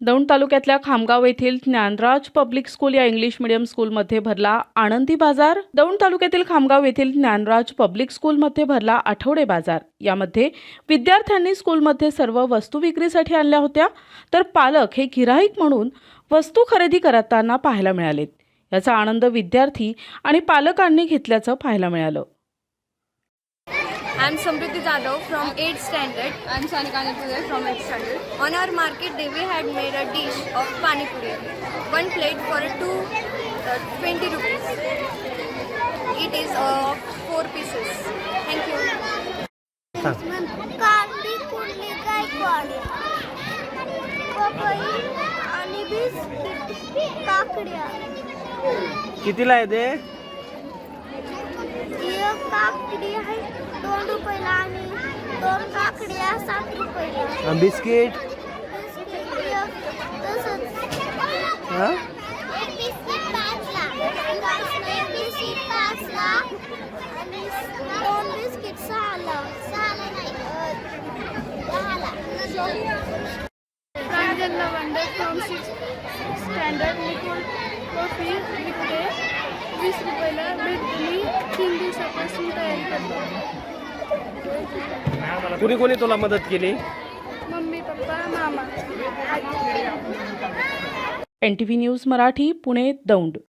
दौंड तालुक्यातल्या खामगाव येथील Dnyanraj public school या इंग्लिश मीडियम स्कूलमध्ये भरला आनंदी बाजार। दौंड तालुक्यातील खामगाव येथील ज्ञानराज पब्लिक स्कूलमध्ये भरला आठवडे बाजार। यामध्ये विद्यार्थ्यांनी स्कूलमध्ये सर्व वस्तू विक्रीसाठी आणल्या होत्या, तर पालक हे गिराईक म्हणून वस्तू खरेदी करताना पाहायला मिळाले। याचा आनंद विद्यार्थी आणि पालकांनी घेतल्याचं पाहायला मिळालं। I'm Samriddhi Jadhav from 8th standard. I'm Sanika Anipure from 8th standard. On our market day, we had made a dish of pani puri. One plate for 20 rupees. It is 4 pieces. Thank you. कांदी कुर्ली गायकवाड पपई आणि biscuit काकड्या कितीला आहे ते? एक काकडी आहे 2 रुपयाला आणि 2 काकड्या 7 रुपयाला। बिस्किट हा? एक बिस्किट 5ला, एक बिस्किट 5ला आणि 2 बिस्किट 6ला नाही 10ला। Pranjal Lavande from 6th standard. Liquid coffee विकते 20 रुपयाला भेटली। 3 दिवसापासून तयारी करतो। कुणी कोणी तुला मदत केली? मम्मी पप्पा मामा। NTV news Marathi, Pune, Daund.